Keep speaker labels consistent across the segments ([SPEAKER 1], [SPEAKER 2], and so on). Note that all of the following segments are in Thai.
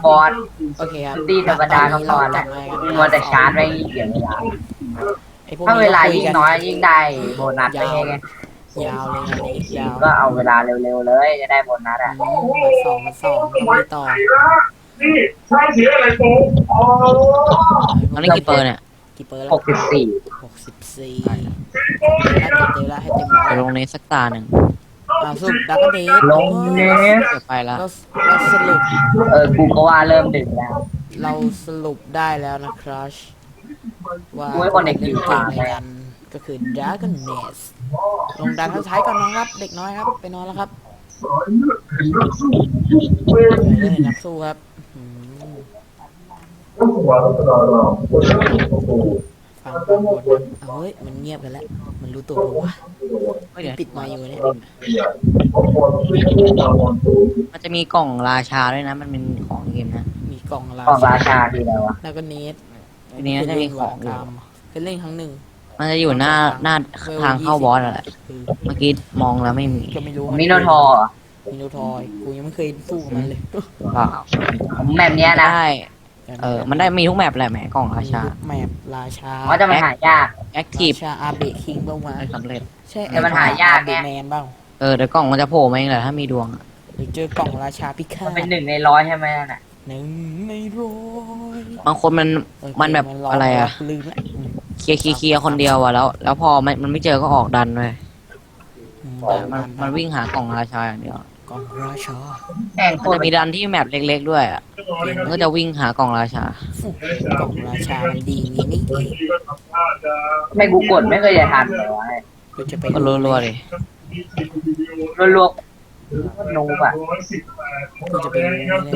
[SPEAKER 1] บอส
[SPEAKER 2] โอเคครับ
[SPEAKER 1] ตีธรรมดาก็พอ
[SPEAKER 2] ต
[SPEAKER 1] แล้
[SPEAKER 2] น
[SPEAKER 1] ว
[SPEAKER 2] นี้
[SPEAKER 1] มัวแต่ชาร์จไว้เกี่ยวเวลา
[SPEAKER 2] ไอ้พวก
[SPEAKER 1] ถ้า
[SPEAKER 2] นี้
[SPEAKER 1] เวลา
[SPEAKER 2] คุ
[SPEAKER 1] ยิ่ง
[SPEAKER 2] กัน
[SPEAKER 1] น้อยยิ่งได้โบนัสไปไง
[SPEAKER 2] ยาวเลยอันนี้ยาว
[SPEAKER 1] ก็เอาเวลาเร็วๆเลยจะได้โบนัสอ่ะ
[SPEAKER 2] มาสองต้องไปต่อ
[SPEAKER 3] นี่ใช่เสียอะไรโตอ๋อ
[SPEAKER 4] ตอนนี้กี่เปอร์เนี่ย
[SPEAKER 2] กี่เปอร์
[SPEAKER 1] ห
[SPEAKER 2] แล้ว
[SPEAKER 1] กสิบสี่
[SPEAKER 2] 64แล้วเต็มแล้วให้เต็มร้อย
[SPEAKER 4] จะลงในสักตาหนึ่ง
[SPEAKER 2] สุดดักเดท
[SPEAKER 1] ลงเนส
[SPEAKER 4] เดี๋ยวไปละ
[SPEAKER 2] เราสรุป
[SPEAKER 1] กูก็ว่าเริ่มดึกแล้ว
[SPEAKER 2] เราสรุปได้แล้วนะครับว่า
[SPEAKER 1] โอ้ยคนเด็ก
[SPEAKER 2] เล่น
[SPEAKER 1] อยู่
[SPEAKER 2] เก่ง
[SPEAKER 1] ป่า
[SPEAKER 2] ในกันก็คือ Dragon Nest ลงดันท้ายก่อนน้องครับ เด็กน้อยครับ ไปนอนแล้วครับเล่นนักสู้ครับอืมฟังบนเฮ้ยมันเงียบกันแล้วมันรู้ตัวปะวะ
[SPEAKER 4] เฮ้ยเดี๋ยว
[SPEAKER 2] ปิดไมค์อยู่เนี่ย
[SPEAKER 4] มันจะมีกล่องราชาด้วยนะ มันเป็นของในเกมนะ
[SPEAKER 2] มีกล่องรา
[SPEAKER 1] ของราชาทีแล้ววะ
[SPEAKER 2] แล้วก็เนส
[SPEAKER 4] ทีนี้จะมีของอยู่
[SPEAKER 2] เป็นเล่นครั้งหนึ่ง
[SPEAKER 4] มันจะอยู่หน้าทางเข้าบอสอะแหละ
[SPEAKER 2] คือ
[SPEAKER 4] เมื่อกี้มองแล้วไม่มี
[SPEAKER 2] ก็ไม่รู้
[SPEAKER 1] มิโนทอร์
[SPEAKER 2] มิโนทอยกูยังไม่เคยสู้กับมันเลย
[SPEAKER 4] เปล่า
[SPEAKER 1] แบบเนี้ยนะ
[SPEAKER 4] ได้มันได้มีทุกแมปแหละแหมกล่องราชา
[SPEAKER 2] แมปราชา
[SPEAKER 1] ว่าจะมันหายาก
[SPEAKER 4] แอคทีฟ
[SPEAKER 2] ราชาอาเบะคิงบ้างวะ
[SPEAKER 4] ได้สำเร็จ
[SPEAKER 2] ใช่
[SPEAKER 1] แต่มันหายากไง
[SPEAKER 2] อาเบะแมนบ้าง
[SPEAKER 4] เดี๋ยวกล่องมันจะโผล่มาเองแหละถ้ามีดวงอะ
[SPEAKER 2] หรือเจอกล่องราชาพิฆา
[SPEAKER 1] มัน
[SPEAKER 2] ต
[SPEAKER 1] เป็น1 ใน 100ใช่ไหมนั่นน่ะ
[SPEAKER 2] 1 ใน 100
[SPEAKER 4] บางคนมันแบบอะไรอะ
[SPEAKER 2] ลืมละ
[SPEAKER 4] เคลียร์คนเดียวอะแล้วพอมันไม่เจอก็ออกดันเลยมันวิ่งหากล่องราชาอย่างเดียว
[SPEAKER 2] กล่องราชา
[SPEAKER 1] แม่งโค
[SPEAKER 4] มัน
[SPEAKER 1] ตร
[SPEAKER 4] จะมีดันที่แมปเล็กๆด้วยอะมันก็จะวิ่งหากล่องราชา
[SPEAKER 2] กล่องราชามันดีอย่างนี้นี่เอง
[SPEAKER 1] ไม่กูกดไม่เคยจะทันเลยวะ
[SPEAKER 2] กูจะไป
[SPEAKER 4] ก็รัวๆเลย
[SPEAKER 1] ลวกๆนูบอ่ะ
[SPEAKER 2] กูจะไปรู้นี่เลย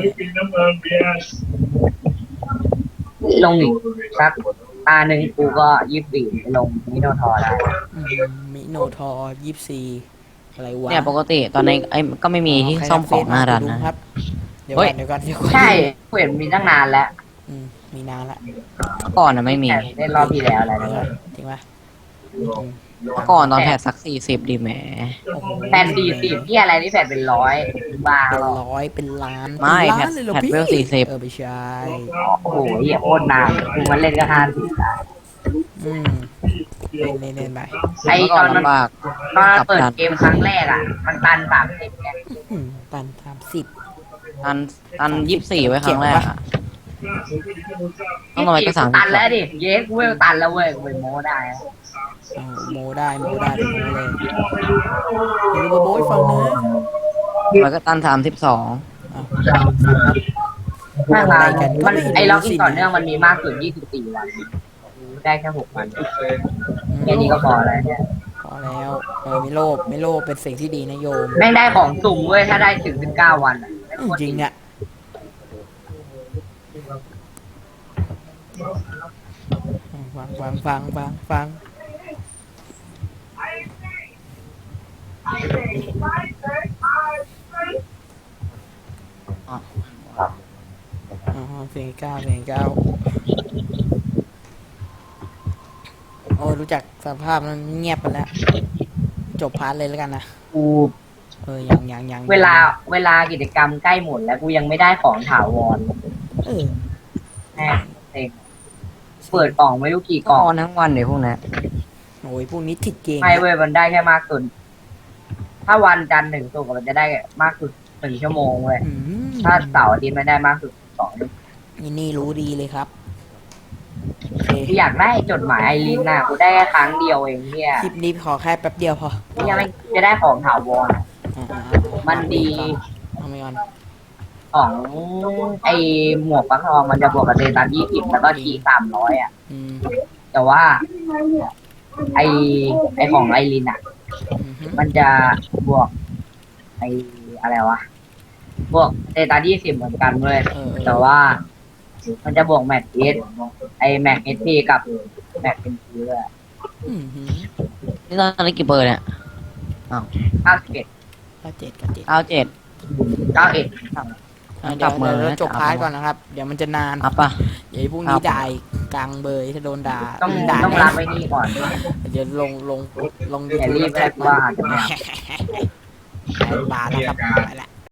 [SPEAKER 1] ลงอีกสักตาหนึ่งกูก็24ไปลงมิโนทอร์ได้
[SPEAKER 2] มิโนทอ24อะไรวะ
[SPEAKER 4] เนี่ยปกติตอนนี้ก็ไม่มีที่ซ่อมของหน้าดันนะ
[SPEAKER 2] ครับเดี๋ยว
[SPEAKER 4] เฮ้ย
[SPEAKER 2] ก่อนเดี๋ยวก่อน
[SPEAKER 1] ใช่กูเห็นมีตั้งนานแล้ว
[SPEAKER 2] มีนานละ
[SPEAKER 4] เมื่อก่อนนะไม่มี
[SPEAKER 1] แต่เล่นรอบที่แล้วอะไรนะ
[SPEAKER 2] จริงปะ
[SPEAKER 4] เมื่อก่อนตอนแพทสัก40ดีแหม
[SPEAKER 2] โอ้โห
[SPEAKER 1] แผ่น40ที่อะไรนี่แผ่นเป็นร้อยบ้า
[SPEAKER 2] เป็น
[SPEAKER 1] หรอ
[SPEAKER 2] ร้อยเป็นล้าน
[SPEAKER 4] ไม่
[SPEAKER 2] เป็น
[SPEAKER 4] แพ
[SPEAKER 2] ล้า
[SPEAKER 4] ท
[SPEAKER 2] นเลยเหรอ
[SPEAKER 4] แพท
[SPEAKER 2] พี่
[SPEAKER 4] เวล40
[SPEAKER 2] ไม่ใช่
[SPEAKER 1] โอ้โหเหี้ยโคตรนานกูมันเล่นก็50ได้
[SPEAKER 2] อืมเล่นไป
[SPEAKER 1] ไอ้
[SPEAKER 4] เมื่อ
[SPEAKER 1] ต
[SPEAKER 4] ก่อ
[SPEAKER 1] อน นมัน
[SPEAKER 4] ลำบาก
[SPEAKER 1] ตอนเปิดเกมครั้งแรกอ่ะ มันตัน30ไง
[SPEAKER 2] ตัน30
[SPEAKER 4] ตัน24ไว้ครั้งแรกอะต้องลงไปก็
[SPEAKER 1] ตันแล้ว
[SPEAKER 4] 30
[SPEAKER 1] ดิเย้กูเวลตันแล้วเว้ยกูไปโม้ได้
[SPEAKER 2] โมได้เป็นโมเลยเดี๋ยวมาโบยฟังนะ
[SPEAKER 4] แล้วก็ตัน32
[SPEAKER 2] อ้าว
[SPEAKER 1] ถ้า
[SPEAKER 2] อะไร
[SPEAKER 1] มา
[SPEAKER 2] กัน
[SPEAKER 1] มัน
[SPEAKER 2] ก็ไม่
[SPEAKER 1] ไอ้
[SPEAKER 2] รู้
[SPEAKER 1] ล็อก
[SPEAKER 2] สิ
[SPEAKER 1] ที่ต่อเนื่องมันมีมากสุด24 วันได้แค่6 วันแค่นี้ก็พอแล้วเนี่ย
[SPEAKER 2] พอแล้วไม่โลภเป็นสิ่งที่ดีนะโยม
[SPEAKER 1] แม่งได้ของสุ่มเว้ยถ้าได้ถึง19 วันอะ
[SPEAKER 2] จริงเนี่ยฟังอ๋อเพลงเก้าโอ้รู้จักสภาพมันเงียบไปแล้ว จบพาร์ทเลยแล้วกันนะ
[SPEAKER 1] กู
[SPEAKER 2] ยัง
[SPEAKER 1] เวลากิจกรรมใกล้หมดแล้วกูยังไม่ได้ของถาวร
[SPEAKER 2] เออ
[SPEAKER 1] แม่เซ็งเปิดกล่องไม่รู้กี่ก
[SPEAKER 4] ก็
[SPEAKER 1] ล่อง
[SPEAKER 4] ออนทั้งวันเดี๋ยวพวกนี้
[SPEAKER 2] โอ้ยพวกนี้ติดเกม
[SPEAKER 1] ไม่เว้ยมันได้แค่มากสุด ถ้าวันจันทร์ถึงศุกร์มันจะได้มากสุด1 ชั่วโมงเว้ย
[SPEAKER 2] อืม
[SPEAKER 1] ถ้าเสาร์อาทิตย์มันได้มากสุด2
[SPEAKER 2] นี่รู้ดีเลยครับโอเค
[SPEAKER 1] กูอยากได้จดหมายไอรินน่ะกูได้แค่ครั้งเดียวเองเนี่ย
[SPEAKER 2] คลิปนี้ขอแค่แป๊บเดียวพอ
[SPEAKER 1] ยังไม่จะได้ของถาวร มันดี
[SPEAKER 2] เอาไปก่อน
[SPEAKER 1] ของไอหมวกฟักทองมันจะบวกกับเตตัน20แล้วก็ที300อ่ะ
[SPEAKER 2] อืม
[SPEAKER 1] แต่ว่า ไอของไอรินอ่ะ มันจะบวกไออะไรวะบวกเตตัน20เหมือนกันเลย แต่ว่า มันจะบวกแม็กเอสไอแม็กเอสพีกับแม็กเป็นพีด้วย
[SPEAKER 4] นี่ตอนนี้กี่เปอร์เนี่ย
[SPEAKER 1] 91
[SPEAKER 2] 97
[SPEAKER 4] 97
[SPEAKER 1] 91
[SPEAKER 2] เดี๋ยวเราจบพาร์ทก่อนนะครับ เดี๋ยวมันจะนาน
[SPEAKER 4] อัพป่ะ
[SPEAKER 2] อย่าให้พวกนี้ด่าอีกกลางเบยถ้าโดนด่า
[SPEAKER 1] ต้อง
[SPEAKER 2] ด่า
[SPEAKER 1] ต้องรับไว้นี่ก่อน
[SPEAKER 2] เดี๋ยวลง
[SPEAKER 1] อย่ารีบแรกว่าอาจจะไม่
[SPEAKER 2] บาแล้วครับไปละ